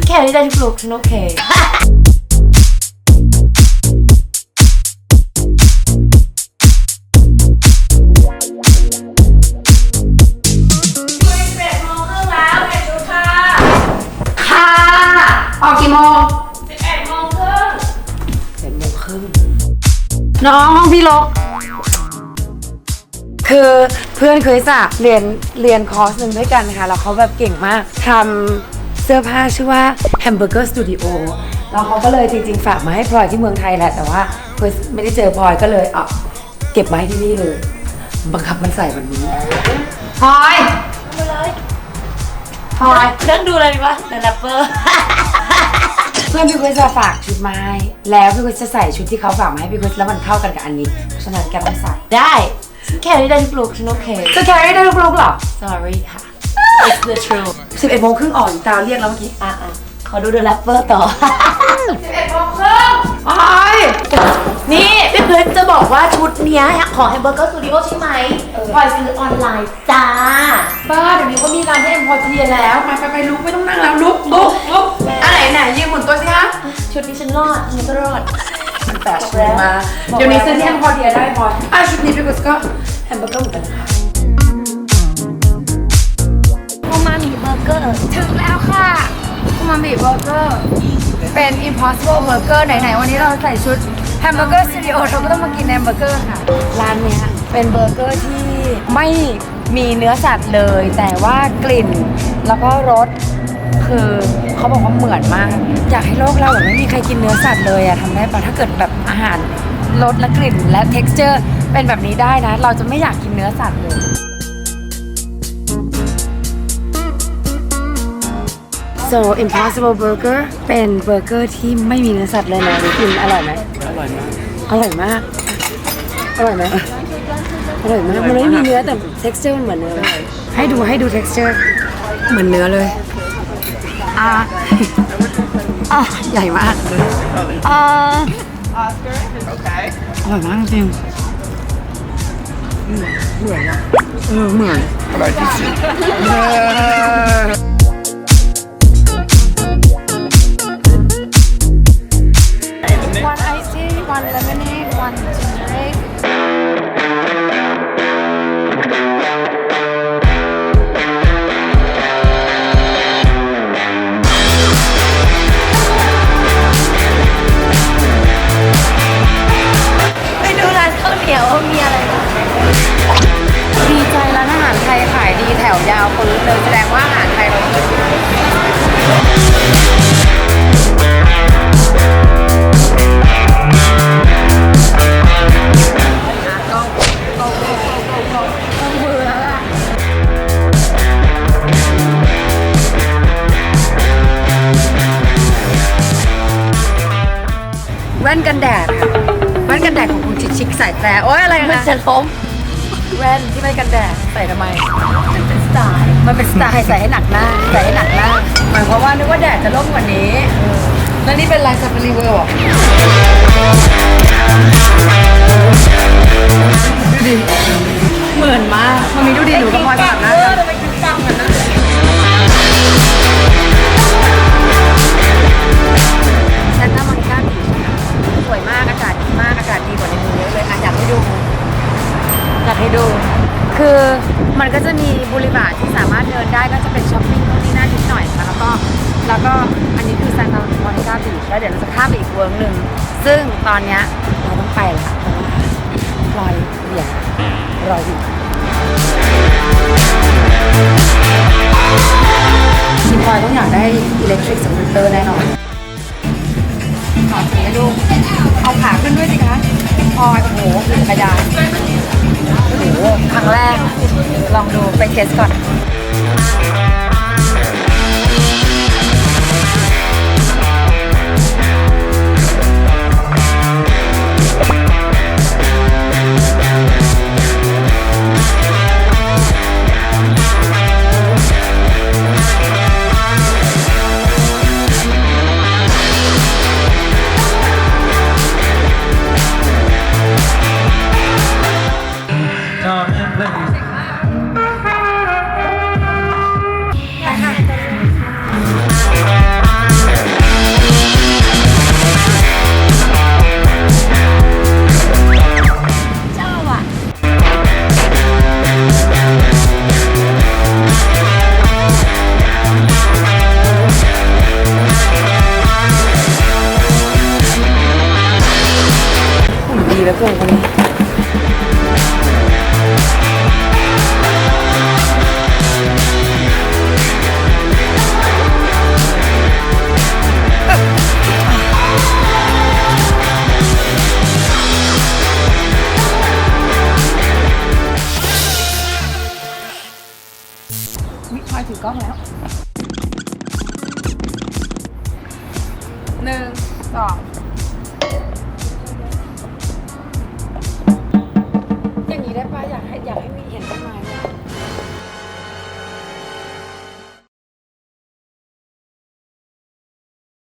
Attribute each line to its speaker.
Speaker 1: แค่นี้ได้ทุกลุกฉันโอเค
Speaker 2: ออกกี่โมง
Speaker 1: 11:30
Speaker 2: น้องห้องพี่ลกคือเพื่อนเคยสะเรียนคอร์สหนึ่งด้วยกันค่ะแล้วเขาแบบเก่งมากทำเสื้อผ้าชื่อว่า Hamburger Studio แล้วเขาก็เลยจริงๆฝากมาให้พลอยที่เมืองไทยแหละแต่ว่าเคยไม่ได้เจอพลอยก็เลยเก็บไว้ที่นี่เลยบังคับมันใส่แบบนี้พลอยพลอย
Speaker 1: นั่งดูอะไรดีวะเดอะแรปเปอร์
Speaker 2: เพื่อนพี่คริสจะฝากชุดมาให้แล้วพี่คริสจะใส่ชุดที่เขาฝากมาให้พี่คริสแล้วมันเข้ากันกับอันนี้เพราะฉะนั้นแกต้องใส่
Speaker 1: ได้แค่นี้ได้ทุกลุกฉันโอเค
Speaker 2: จะแครี่ได้ลูกๆหรอ
Speaker 1: sorry ค่ะ it's the truth
Speaker 2: 11:30ออกตาวเรียกแล้วเมื่อกี้
Speaker 1: ขอดูเดอะแรปเปอร์ต่อ
Speaker 2: 11:30อ้าย
Speaker 1: นี่พี่เพื่อนจะบอกว่าชุดเนี้ยของ Hamburger Studio ใช่ไหมพลอยซื้อออนไลน์จ้า
Speaker 2: บ้าเดี๋ยวนี้ก็มีร้านที่เอ็มพอเทียแล้วไปลุกไม่ต้องนั่งแล้วลุกอันไหนยืนหมุนตัวสิคะ
Speaker 1: ชุดนี้ฉันรอดฉันก็รอด
Speaker 2: มันแปดชุดมาเดี๋ยวนี้ซื้อที่เอ็มพอเทียได้พอชุดนี้พี่กุสก็แฮมเบอร์เกอร์เหมือนกันนะคะ
Speaker 1: โอมามิเบอร์เกอร์
Speaker 2: ถึงแล้วค่ะอูมามิเบอร์เกอร์เป็น Impossible Burger ไหนๆวันนี้เราใส่ชุด Hamburger Studio เราก็ต้องมากินแฮมเบอร์เกอร์ค่ะร้านเนี้ยเป็นเบอร์เกอร์ที่ไม่มีเนื้อสัตว์เลย แต่ว่ากลิ่นแล้วก็รสคือเขาบอกว่าเหมือนมากอยากให้โลกเราแบบไม่มีใครกินเนื้อสัตว์เลยอะทำได้ปะถ้าเกิดแบบอาหารรสและกลิ่นและ texture เป็นแบบนี้ได้นะเราจะไม่อยากกินเนื้อสัตว์เลยSo Impossible Burger เป็นเบอร์เกอร์ที่ไม่มีเนื้อสัตว์เลยนะกินอร่อยไหมอร่อยมากอร่อยมากอร่อยไหมอร่อยมากมันไม่มีเนื้อแต่ texture มันเหมือนเนื้อให้ดู texture เหมือนเนื้อเลยใหญ่มากอร่อยมากจริงเหมือนนะเหมือนอร่อยที่สุดone iced tea, one lemonade, one ginger ale.
Speaker 1: ไปดูร้านข้าวเหนียวมีอะไรบ้าง
Speaker 2: ดีใจร้านอาหารไทยขายดีแถวยาวปื้นเลยแสดงว่าอาหารไทยเราดีแว่นกันแดดค่ะแว่นกันแดดของคุณชิคๆใส่แต่โอ๊ยอะไรนะ
Speaker 1: มันจะล้ม
Speaker 2: แว่นที่ไม่กันแดดใส่ทำไม
Speaker 1: มันเป็นสไตล์
Speaker 2: มันเป็นสไตล์ใส่ให้หนักหน้าใส่ให้หนักหน้าหมายความว่านึกว่าแดดจะร่มกว่านี้แล้วนี่เป็นลายซาฟารีเวิลด์ดูดิเหมือนมากมันมีดูดิหนูกับพลอยสลับหน้ากัน
Speaker 1: ทำไมคิดตังกันนะ
Speaker 2: แซนต้ามอนิก้าบีชสวยมากอากาศดีมากอากาศดีกว่าในเมืองเยอะเลยอยากให้ดูคือมันก็จะมีบูริบาร์ที่สามารถเดินได้ก็จะเป็นช้อปปิ้งตรงนี้น่านิดหน่อยค่ะแล้วก็อันนี้คือซานตามอนิก้าบีชแล้วเดี๋ยวเราจะข้ามไปอีกเวิร์กหนึ่งซึ่งตอนเนี้ยเราต้องไปแล้วเพราะว่าพลอยเดี๋ยวรออยู่ทีมพลอยต้องอยากได้อิเล็กทริกสกูตเตอร์แน่นอนขอสีให้ลูกเอาขาขึ้นด้วยสิคะพลอยโอ้โหจักรยานโอ้โหครั้งแรกลองดูไปเทสก่อนเกินกันเลยวิพลอยถือกล้องแล้ว1 2